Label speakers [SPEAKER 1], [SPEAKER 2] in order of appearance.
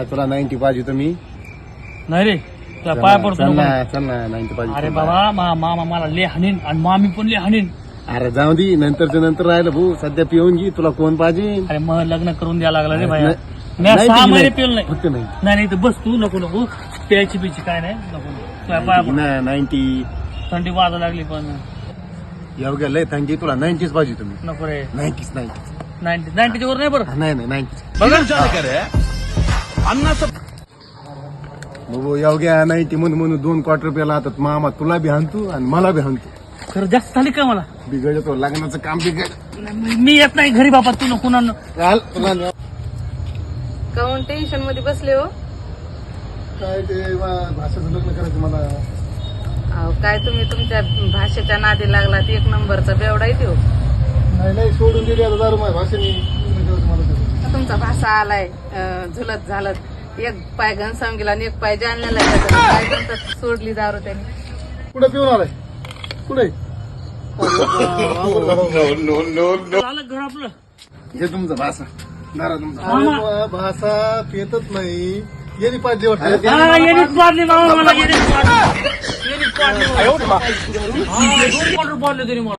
[SPEAKER 1] नाही तुला 90 पाहिजे तुम्ही.
[SPEAKER 2] नाही रे तुला पाया पडतो
[SPEAKER 1] चल
[SPEAKER 2] नको.
[SPEAKER 1] ना चल ना 90 पाहिजे.
[SPEAKER 2] अरे बाबा मामा मला ले हाणीन आणि मामी पण ले हाणीन.
[SPEAKER 1] अरे जाऊ दे नंतरच्या नंतर राहिलं भाऊ. सध्या पिऊन घे. तुला कोण पाहिजे?
[SPEAKER 2] अरे मग लग्न करून द्यायला लागला रे भाई. मी
[SPEAKER 1] नाही
[SPEAKER 2] 6
[SPEAKER 1] पिली
[SPEAKER 2] महिने
[SPEAKER 1] नाही.
[SPEAKER 2] पिल नाही.
[SPEAKER 1] फक्त नाही
[SPEAKER 2] नाही तर बस तू नको नको प्यायची पिची काय नाही नको तुला पाया पडतो.
[SPEAKER 1] 90
[SPEAKER 2] थंडी वाजा लागली पण
[SPEAKER 1] एवढ्या लय थंडी. तुला 90 पाहिजे तुम्ही.
[SPEAKER 2] नको रे
[SPEAKER 1] 90
[SPEAKER 2] 90 वर नाही बरं.
[SPEAKER 1] नाही 90
[SPEAKER 2] बघा
[SPEAKER 1] भाऊ एवढ्या 90 म्हणून 2 क्वार्टर प्याला आता मामा तुला बी हाणतो आणि मला बी हाणतो.
[SPEAKER 2] खरं जास्त झाली का मला.
[SPEAKER 1] बिघडतो लग्नाचं काम बिघड.
[SPEAKER 2] मी येत नाही घरी बाबा तू नको ना.
[SPEAKER 1] चाल तुला
[SPEAKER 3] काऊन टेन्शन मध्ये बसले हो.
[SPEAKER 1] काय ते भाषेचं लग्न करायचं मला.
[SPEAKER 3] अहो काय तुम्ही तुमच्या भाषेच्या नादी लागलात. 1 नंबरचा बेवडा येते हो.
[SPEAKER 1] नाही सोडून दिली आता दारू माझ्या भाषेने.
[SPEAKER 3] तुमचा भाषा आलाय झुलत झालत. एक पाय घनसावून गेला आणि एक पाय जालन्याला गेला. काय म्हणतात सोडली दारू त्याने.
[SPEAKER 1] कुठे पिऊन आलाय कुठे?
[SPEAKER 2] झालं घर आपलं.
[SPEAKER 1] हे तुमचं भाषा दारा तुमचा
[SPEAKER 2] मामा.
[SPEAKER 1] भाषा पेतच नाही. येणी पाहिजे
[SPEAKER 2] हा, येणीच पाडली मामा मला येणीच पाडली. येणीच पाडली मला. 2 क्वार्टर पाडले तरी मला.